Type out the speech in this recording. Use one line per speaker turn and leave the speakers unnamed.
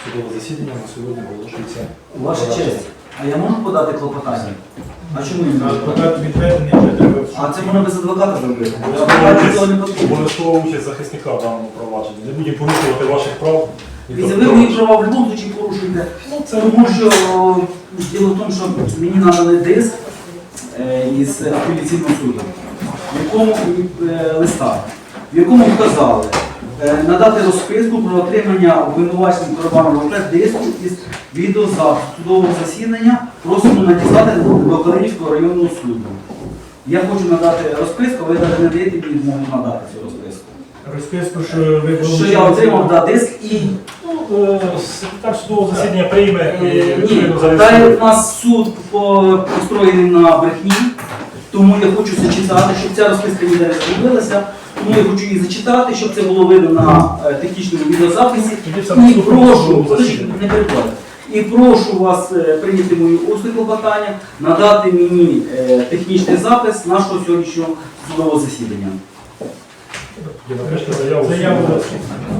Судове засідання на сьогодні оголошується.
Ваша честь, а я можу подати клопотання? А чому ні?
Адвокат відведений, вже треба.
А це можна без адвоката зробити. Адвокат цього не потрібно.
Обов'язкова участь захисника в даному провадженні. Не будемо порушувати ваших прав.
Дивіться, ви мої права в будь-якому випадку порушуєте. Тому що діло в тому, що мені надали диск із апеляційного суду, в якому листа, в якому вказали надати розписку про отримання обвинуваченим Коробаном диску із відеозапису судового засідання, просимо надіслати до Калинівського районного суду. Я хочу надати розписку, ви навіть не даєте мені змогу надати цю розписку.
Розписку, що ви
Що я отримав диск і...
Секретар судового засідання прийме і
Ні,
відповідно
далі
зареєструє.
у нас суд построєний на брехні, тому я хочу зачитати, щоб ця розписка ніде не зробилася, тому я хочу її зачитати, щоб це було видно на технічному відеозаписі. І прошу, не перебувайте. І прошу вас прийняти мою усне клопотання, надати мені технічний запис нашого сьогоднішнього судового засідання.
Напишіть заяву.